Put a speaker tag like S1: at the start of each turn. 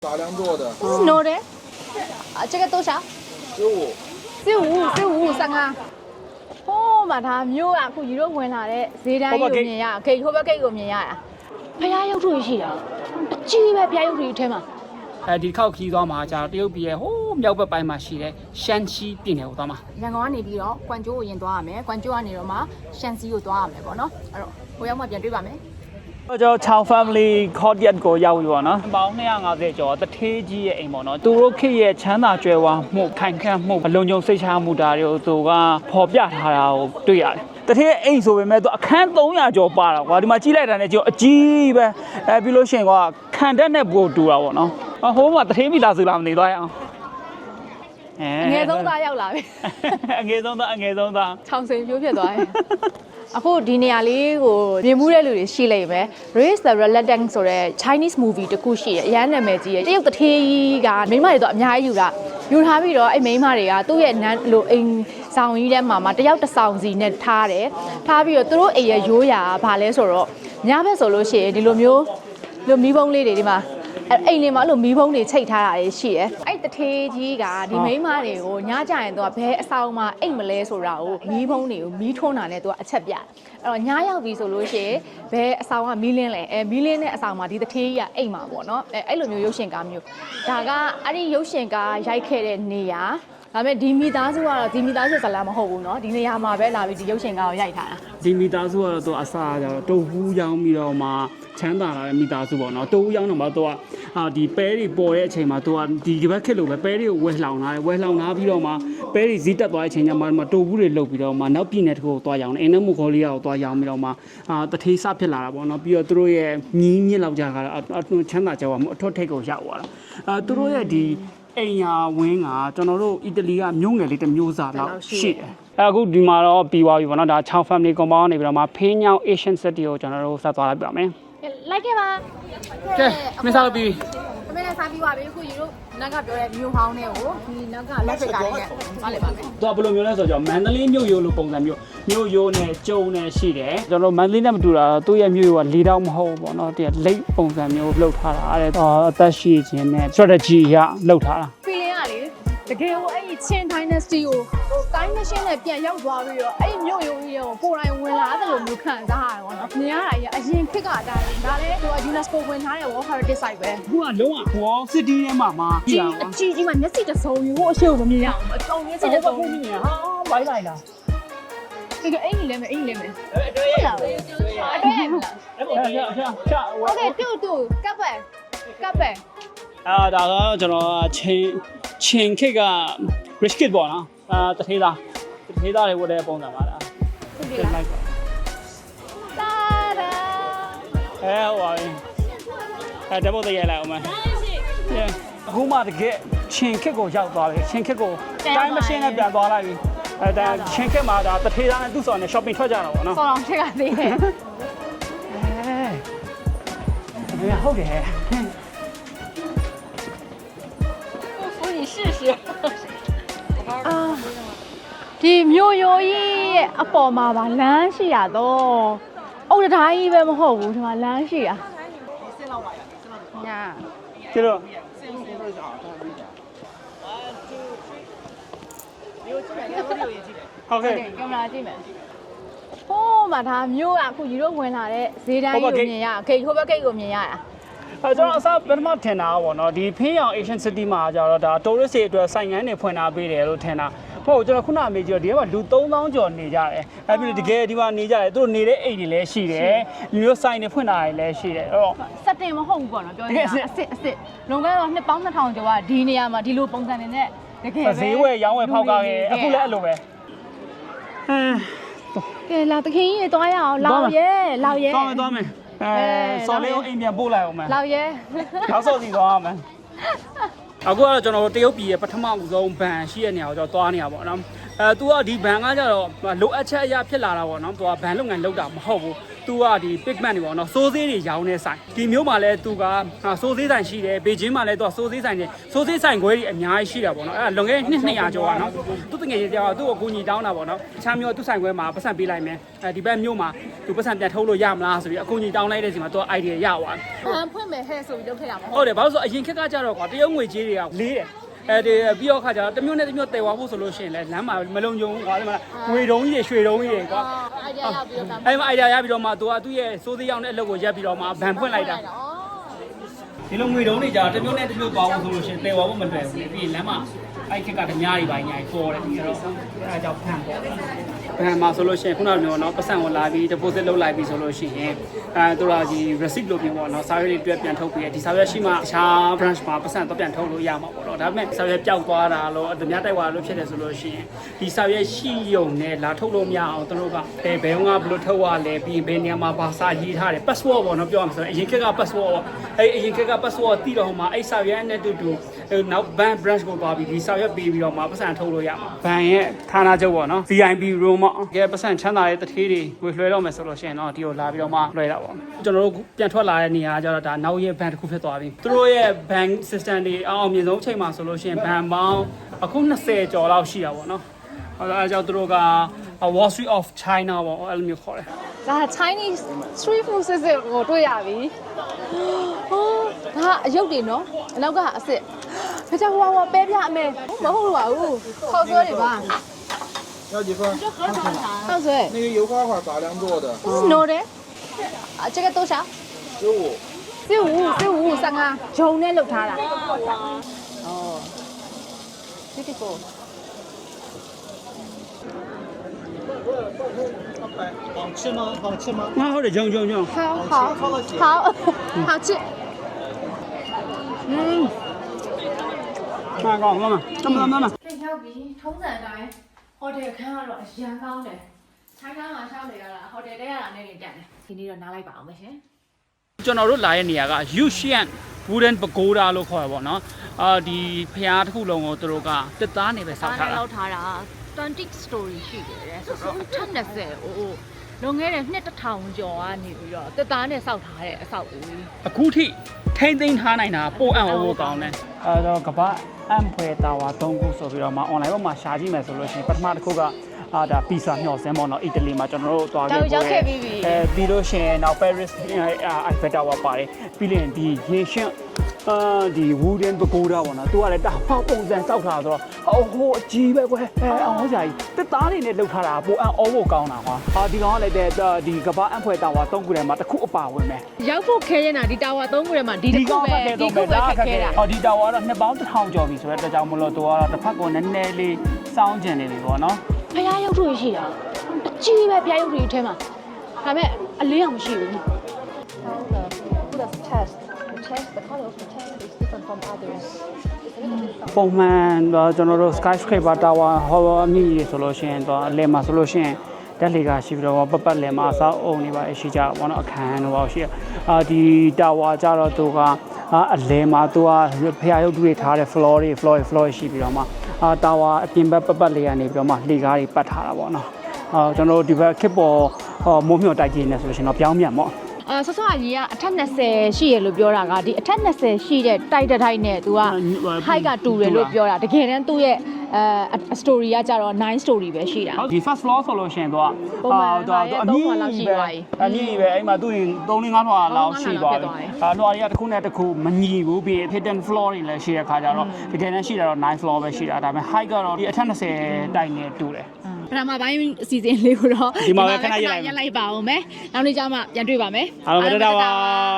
S1: 杂粮做的。
S2: 这是 no 的，这个多少？15上啊。哦，嘛他မျိုး啊，ခုရေတော့ဝင်လာတဲ့ဈေးတိုင်းကိုမြင်ရဂိတ်ဟိုဘက်ဂိတ်ကိုမြင်ရတာဖျားရုပ်ထုရှိတာအကြီးပဲဖျားရုပ်ထုထဲမှာ
S3: ဒီတစ်ခေါက်ခီးသွားမှာကြာတရုတ်ပြည်ရဲ့ဟိုးမြောက်ဘက်ပိုင်းမှာရှိတဲ့ရှမ်းချီပြည်နယ်ကိုသွားမှာ
S2: ရန်ကုန်ကနေပြီးတော့ကွမ်ကျိုးကိုရင်သွားရမယ်ကွမ်ကျိုးကနေတော့မှရှမ်းစီကိုသွားရမယ်ပေါ့နော်အဲ့တော့ဟိုရောက်မှပြန်တွေ့ပါမယ်
S3: ကျွန်တော်ချောင်း family courtyard ကိုရောက်ပြီပေါ့နော်ပေါင်း250ကျော်တထေးကြီးရဲ့အိမ်ပေါ့နော်သူတို့ခေတ်ရဲ့ချမ်းသာကြွယ်ဝမှုခိုင်ခန့်မှုအလုံးစုံစိတ်ချမှုတာတွေကိုသူကဖော်ပြထားတာကိုတွေ့ရတယ်တထေးအိမ်ဆိုပေမဲ့သူအခန်း300ကျော်ပါတာကွာဒီမှာကြီးလိုက်တာနဲ့ကျွန်တော်အကြီးပဲပြီးလို့ရှိရင်ကခံတတ်တဲ့ပို့တူတာပေါ့နော်ဟိုမှာတထေးမိသားစုလားမနေသွားရအောင်
S2: အငယ်ဆုံးသားရောက်လာပြီ
S3: အငယ်ဆုံးသား
S2: ချောင်းစိန်ပြိုးဖြစ်သွားတယ်အခုဒီနေရာလေးကိုမြင်မှုတဲ့လူတွေရှိလိမ့်မယ် Raise the Reluctant ဆိုတဲ့ Chinese movie တခုရှိတယ်အရန်နာမည်ကြီးတယ်တရုတ်တထေးကြီးကမိန်းမတွေတော့အများကြီးယူထားပြီးတော့အဲ့မိန်းမတွေကသူ့ရဲ့နန်းလိုအိမ်ဆောင်ကြီးထဲမှာတယောက်တစ်ဆောင်စီနဲ့ထားတယ်ထားပြီးတော့သူတို့အိမ်ရဲ့ရိုးရာကဘာလဲဆိုတော့ညဘက်ဆိုလို့ရှိရင်ဒီလိုမျိုးမီးပုံးလေးတွေဒီမှာအိမ်လေးမှာအဲ့လိုမီးပုံးတွေချိတ်ထားတာရှိတယ်အဲ့တထေးကြီးကဒီမိန်းမတွေကိုညကြရင်သူကဘဲအဆောင်မှာအိမ်မလဲဆိုတာကိုမီးပုံးတွေကိုမီးထွန်းတာနဲ့သူကအချက်ပြအဲ့တော့ညရောက်ပြီဆိုလို့ရှိရင်ဘဲအဆောင်ကမီးလင်းလဲမီးလင်းတဲ့အဆောင်မှာဒီတထေးကြီးကအိမ်မှာပေါ့နော်အဲ့လိုမျိုးရုပ်ရှင်ကားမျိုးဒါကအဲ့ဒီရုပ်ရှင်ကားရိုက်ခဲ့တဲ့နေရာဒါပေမဲ့ဒီမိသားစုကတော့ဒီမိသားစုဇာတ်လမ်းမဟုတ်ဘူးเนาะဒီနေရာမှာပဲလာပြီးဒီရုပ်ရှင်ကားကိုရိုက်ထားတာ
S3: ဒီမိသားစုကတော့သူအစားကြတော့တုပ်ဟူးရောင်းပြီးတော့မှချမ်းသာလာတဲ့မိသားစုပေါ့နော်တုပ်ဟူးရောင်းတော့မှသူကဒီပဲတွေပေါ်တဲ့အချိန်မှာသူကဒီဘက်ခက်လို့ပဲပဲတွေကိုဝဲလှောင်လာတယ်ဝဲလှောင်လာပြီးတော့မှပဲတွေဈေးတက်သွားတဲ့အချိန်ကျမှတုပ်ဟူးတွေလုတ်ပြီးတော့မှနောက်ပြည်နယ်တစ်ခုကိုသွားရောင်းတယ်အင်းနဲ့မူခေါ်လေးကိုသွားရောင်းပြီးတော့မှတထေးစဖြစ်လာတာပေါ့နော်ပြီးတော့သူတို့ရဲ့မြင်းမြင့်လောက်ကြတာချမ်းသာကြွားမှုအထွတ်ထိပ်ကိုရောက်သွားတာသူတို့ရဲ့ဒီအိမ်ယာဝင်းကကျွန်တော်တို့အီတလီကမြို့ငယ်လေးတစ်မျိုးစာလောက်ရှိတယ်အခုဒီမှာတော့ပြီးသွားပြီပေါ့နော်ဒါ6 family compound နေပြီးတော့မှဖင်းညောင်း Asian City ကိုကျွန်တော်တို့ဆက်သွားလိုက်ပြပါမယ်
S2: လိုက်ခဲ့ပါ
S3: ကဲမင်းစားလို့ပြီးပြီ
S2: အမေလည်းစားပြီးပါပြီအခုယူတို့နက်ကပြောတဲ့မြို့ဟောင်းတွေကိုဒီနက်ကလက်ဖက်ကားလေးနဲ့မလဲပါမယ်
S3: သူကဘယ်လိုမျိုးလဲဆိုတော့မန္တလေးမြို့ရိုးလိုပုံစံမျိုးမြို့ရိုးနဲ့ကျုံနဲ့ရှိတယ်ကျွန်တော်မန္တလေးနဲ့မတူတာသူ့ရဲ့မြို့ရိုးက၄တောင်မဟုတ်ဘူးပေါ့နော်ဒီလိတ်ပုံစံမျိုးလှုပ်ထားတာအဲ့ဒါအသက်ရှိခြင်းနဲ့ strategy ရလှုပ်ထားတာ
S2: feeling ကလေတကယ်ကိုအဲ့ဒီချင်း dynasty ကိုတိုင်းမရှင်းနဲ့ပြန်ရောက်သွားပြီးတော့အဲ့ဒီမြို့ရိုးကြီးကိုကိုယ်တိုင်ဝင်လာတယ်လို့မျိုးခံစားရတယ်ပေါ့နော်မြင်ရတာကြီးအရင်ခေတ်ကအတိုင်းဒါလည်းသူက UNESCO ဝင်ထားတဲ့ World Heritage Site ပဲ
S3: အခုကလုံးဝ Wall City ထဲမှာ
S2: ကြီးမှမျက်စိတစ်စုံယူဖို့အရှိကိုမမြင်ရအောင်အတုံးမျက်စိတစ်စုံ
S3: မြင်ရဟာဘိုင်းလိုက်လား
S2: ဒီကအိမ်ကြီးလဲမယ်အတွဲရလား
S3: အဲ့
S2: โอเคတူကပ်ပဲ
S3: ဒါကတော့ကျွန်တော်ချင်းခစ်က rich kid ပေါ့နော်တထေးသားတွေဝတ်တဲ့ပုံစံပါလား
S2: ဟုတ်ပြီလားတာဒါ
S3: ဟိုပါဓာတ်ပုံတရလိုက်အောင်မအခုမှတကယ်ချင်းခစ်ကိုရောက်သွားပြီချင်းခစ်ကိုတိုင်းမရှင်းနဲ့ပြန်သွားလိုက်ပြီဒါချင်းခစ်မှာဒါတထေးသားနဲ့သူ့ဆောင်နဲ့ shopping ထွက်ကြတာပေါ့နော်
S2: ဆောင်းအောင်ထက်ကသေးတယ်
S3: ဟုတ်တယ်
S2: ဒီမြို့ရိုးကြီးရဲ့အပေါ်မှာပါလမ်းရှိရတော့အုတ်တိုင်းကြီးပဲမဟုတ်ဘူးဒီမှာလမ်းရှိရညာ
S3: ကျတော့ဟုတ်ကဲ့
S2: ကင်မရာကြည့်မယ်ဟိုးမှာဒါမြို့ကအခုရေတော့ဝင်လာတဲ့ဈေးတိုင်းကိုမြင်ရဂိတ်ဟိုဘက်ဂိတ်ကိုမြင်ရတာ
S3: ကျွန်တော်အစားပထမထင်တာပေါ့နော်ဒီဖင်းရောင် Asian City မှာကျတော့ဒါ tourist တွေအတွက်ဆိုင်ငန်းတွေဖွင့်ထားပေးတယ်လို့ထင်တာဟုတ်ကျွန်တော်ခုနအမေကြီးတော့ဒီကမှာလူ3000ကျော်နေကြတယ်အဲ့ပြီးတကယ်ဒီမှာနေကြတယ်သူတို့နေတဲ့အိမ်တွေလည်းရှိတယ်လူမျိုးဆိုင်တွေဖွင့်ထားတယ်လည်းရှိတယ်အဲ့တော့
S2: စက်တင်မဟုတ်ဘူးပေါ့နော်ပြောနေတာအစ်လွန်ခဲ့တော့နှစ်ပေါင်း2000ကျော်ကဒီနေရာမှာဒီလိုပုံစံတွေနဲ့တကယ်ပဲ
S3: ဈေးဝယ်ရောင်းဝယ်ဖောက်ကားခဲ့အခုလည်းအဲ့လိုပဲ
S2: ကဲလာတခင်ကြီးသွားရအောင်လောက်ရဲ
S3: သွားမယ်စော်လေးကိုအိမ်ပြန်ပို့လိုက်အောင်မယ်
S2: လောက်ရဲ
S3: နောက်စော်စီသွားအောင်မယ်အခုကတော့ကျွန်တော်တို့တရုတ်ပြည်ရဲ့ပထမဦးဆုံးဘန်ရှိတဲ့နေရာကိုကျွန်တော်သွားနေရပါတော့နော် तू ကဒီဘန်ကကြတော့လိုအပ်ချက်အရာဖြစ်လာတာပေါ့နော် तू ကဘန်လုပ်ငန်းလုပ်တာမဟုတ်ဘူး तू ကဒီ pigment တွေပေါ့နော်စိုးစေးတွေရောင်းနေဆိုင်ဒီမျိုးမှာလဲ तू ကစိုးစေးဆိုင်ရှိတယ်ဘေဂျင်းမှာလဲ तू ကစိုးစေးဆိုင်တွေစိုးစေးဆိုင်ခွဲတွေအများကြီးရှိတာပေါ့နော်အဲ့ဒါလွန်ခဲ့တဲ့နှစ်200ကျော်ကနော်သူတငယ်ချင်းတရားသူ့ကိုကိုညီတောင်းတာပေါ့နော်အခြားမျိုးသူ့ဆိုင်ခွဲမှာပတ်စံပေးလိုက်မယ်ဒီဘက်မျိုးမှာ तू ပတ်စံပြန်ထုတ်လို့ရမလားဆိုပြီးအကိုညီတောင်းလိုက်တဲ့စီမှာ तू idea ရသွားတယ်
S2: ဘန်ဖွင့်မယ်ဟဲ့ဆိုပြီးလုပ်ခဲ့တာမဟုတ်
S3: ဟုတ်တယ်ဘာလို့ဆိုအရင်ခက်ကကြတော့ကွာတရုတ်ငွေကြေးတွေကလေးတယ်အဲဒီပြီးတော့ခါကျတော့တစ်မျိုးနဲ့တစ်မျိုးတည်သွားဖို့ဆိုလို့ရှိရင်လည်းလမ်းမှာမလုံခြုံဘူးကွာဒီမှာငွေတုံးကြီးတွေရွှေတုံးကြီးတွေကွာ
S2: အိုင်ဒီယာရောက်ပြီးတော့
S3: အဲ့မှာ idea ရပြီးတော့မှ तू ကသူ့ရဲ့စိုးသေးရောက်တဲ့အလုပ်ကိုရက်ပြီးတော့မှဗန်ဖွင့်လိုက်တာဒီလိုငွေတုံးတွေကြာတစ်မျိုးနဲ့တစ်မျိုးသွားဖို့ဆိုလို့ရှိရင်တည်သွားဖို့မလွယ်ဘူးပြီးရင်လမ်းမှာအဲ့ခက်ကဓမြတွေပိုင်းညာကြီးပေါ်တယ်ပြီးတော့အဲ့ဒါကြောင့်ဖန်ပေါ်ဘန်မှာဆိုလို့ရှိရင်ခုနကမျိုးနော်ပတ်စံကိုလာပြီး deposit လုပ်လိုက်ပြီးဆိုလို့ရှိရင်သူတို့ကဒီ receipt လို့ပြောပေါ့နော်စာရွက်တွေတွေ့ပြန်ထုတ်ပြီးဒီစာရွက်ရှိမှတခြား branch မှာပတ်စံတော့ပြန်ထုတ်လို့ရမှာပေါ့နော်ဒါပေမဲ့စာရွက်ပျောက်သွားတာလို့ဓမြတိုက်သွားလို့ဖြစ်တယ်ဆိုလို့ရှိရင်ဒီစာရွက်ရှိရုံနဲ့လာထုတ်လို့မရအောင်သူတို့ကဘယ်ကဘယ်လိုထုတ်ရလဲပြီးဘယ်နေရာမှာဘာစာရေးထားတယ် password ပေါ့နော်ပြောရမှာဆိုရင်အရင်ခက်က password အဲ့အရင်ခက်က password တီးတော့မှအဲ့စာရွက်နဲ့တူနောက် bank branch ကိုသွားပြီးဒီစာရွက်ပေးပြီးတော့မှပတ်စံထုတ်လို့ရမှာဘန်ရဲ့ဌာနချုပ်ပေါ့နော် VIP room ပေါ့ကဲပတ်စံချမ်းသာတဲ့တထေးတွေဝေလွှဲတော့မယ်ဆိုလို့ရှိရင်တော့ဒီကိုလာပြီးတော့မှလွှဲတာပေါ့ကျွန်တော်တို့ပြန်ထွက်လာတဲ့နေရာကျတော့ဒါနောက်ရဲ့ဘန်တစ်ခုဖြစ်သွားပြီသူတို့ရဲ့ bank system တွေအောင်မြင်ဆုံးအချိန်မှာဆိုလို့ရှိရင်ဘန်ပေါင်းအခု20ကျော်လောက်ရှိတာပေါ့နော်အဲဒါကြောင့်သူတို့က Wall Street of China ပေါ့အဲ့လိုမျိုးခေါ်တယ်
S2: ဒါ Chinese street food စစ်စစ်ကိုတွေ့ရပြီဟိုဒါအယုတ်တွေနော်အနောက်ကအစ်စ်ဖချာဟွာပဲပြအမေမဟုတ်ပါဘူးခေါက်ဆွဲတွေပါ
S1: 要几份？
S2: ခေါက်ဆွဲ
S1: 那个油花花杂粮做的，
S2: နိုးတယ်这个多少
S1: 15。
S2: 15ဂျုံနဲ့လုပ်ထားတာ哦beautiful
S1: 好吃吗？好吃吗？
S3: 啊ဟုတ်တယ်ဂျုံ
S2: 好吃
S3: မှာကောင်းမမ
S2: ပြန်ရောက်ပြီထုံးစံအတိုင်းဟိုတယ်ခန်းကတော့အရန်ကောင်းတယ်ထိုင်းခန်းမှာရှောက်နေရတာဟိုတယ်တဲရတာနဲ့နေတက်တယ်ဒီနေ့တော့နားလိုက်ပါအောင်မရှင်
S3: ကျွန်တော်တို့လာတဲ့နေရာက Yushan Wooden Pagoda လို့ခေါ်ရပါတော့ဒီဖျားတစ်ခုလုံးကိုသူတို့ကတက်သားနေပဲဆောက်ထားတာ
S2: လောက်ထားတာ20 story ရှိတယ်တဲ့ဆိုတော့အထက်20အိုးလွန်ခဲ့တဲ့နှစ်1000ကျော်ကနေပြီးတော့တက်သားနဲ့စောက်ထားတဲ့အဆောက်အဦကြီး
S3: အခုထိထိမ့်သိမ်းထားနိုင်တာပို့အံ့ဩဖို့ကောင်းတယ်အဲတော့ကမ္ဘာအမ်ဖွဲတာဝါ3ခုဆိုပြီးတော့မှ online ပေါ်မှာရှာကြည့်မယ်ဆိုလို့ရှိရင်ပထမတစ်ခုကဒါပီဇာမျှော်စင်းပေါ့နော်အီတလီမှာကျွန်တော်တို့သွားခဲ့ပြီးပြီးလို့ရှိရင်နောက် Paris Eiffel Tower ပါတယ်ပြီးရင်ဒီရေရှင်းဒီ Wooden Pagoda ပေါ့နော်သူကလည်းတာဖောက်ပုံစံစောက်ထားဆိုတော့ဟိုအကြီးပဲကွယ်အောင်ဟောကြာကြီးတက်သားတွေနဲ့လှုပ်ထားတာပိုအံ့ဩဖို့ကောင်းတာကွာဒီကောင်ကလည်းဒီကမ္ဘာအမ်ဖွဲတာဝါ3ခုထဲမှာတစ်ခုအပါဝင်ပဲ
S2: ရောက်ဖို့ခဲရင်တာဒီတာဝါ3ခုထဲမှာဒီတစ်ခုပဲဒီခုပဲခက်ခဲတာ
S3: ဒီတာဝါတော့နှစ်ပေါင်း1000ကျော်ပြီဆိုတော့တကြောင်မလို့သူကတော့တစ်ဖက်ကနည်းနည်းလေးစောင်းကျင်နေပြီပေါ့နော်
S2: ဖျားရုပ်တွေရှိတာအကြီးပဲဖျားရုပ်တွေထဲမှာဒါပေမဲ့အလင်းအောင်မရှိဘူး
S4: The test. The test. The color of the test is different from others.
S3: ပုံမှန်ကျွန်တော်တို့ skyscraper tower ဟောအမြင့်ကြီးဆိုလို့ရှိရင်တော့အလယ်မှာဆိုလို့ရှိရင်တက်လေကရှိပြီးတော့ပတ်လည်မှာအဆောက်အုံတွေပါရှိကြတာပေါ့နော်အခန်းတို့ပါရှိဒီ tower ကြတော့သူကအလယ်မှာသူကဖျားရုပ်တွေထားတဲ့ floor တွေရှိပြီးတော့မှtower အပြင်ဘက်ပတ်လည်ကနေပြီးတော့မှလှေကားတွေပတ်ထားတာပေါ့နော်ကျွန်တော်တို့ဒီဘက်ခစ်ပေါ်မိုးမြော်တိုက်ကြီးနေဆိုလို့ရှိရင်တော့ပြောင်းမြန်ပေါ့
S2: ဆောစောအကြီးကအထက်20ရှိရလို့ပြောတာကဒီအထက်20ရှိတဲ့တိုက်တဲ့ထိုက်နဲ့ तू က height ကတူတယ်လို့ပြောတာတကယ်တမ်းသူ့ရဲ့story ကကြတော့9 story ပဲရှိတာ
S3: ဒီ first floor ဆိုလို့ရှိရင်သူကအမြင့်ကြီးပဲအဲ့မှာသူရင်3-4 လွှာလောက်ရှိသွားပြီလွှာတွေကတစ်ခုနဲ့တစ်ခုမညီဘူးပြီး hidden floor တွေလည်းရှိတဲ့ခါကျတော့တကယ်တမ်းရှိတာတော့9 floor ပဲရှိတာဒါပေမဲ့ height ကတော့ဒီအထက်20တိုက်နဲ့တူတယ်
S2: ပထမပိုင်းအစီအစဉ်လေးကိုတော့
S3: ဒီမှာပဲခဏရက်လိုက်
S2: ပါအောင်မယ်နောက်နေ့ကျမှပြန်တွေ့ပါမယ်
S3: အားလုံးပဲတတာပါ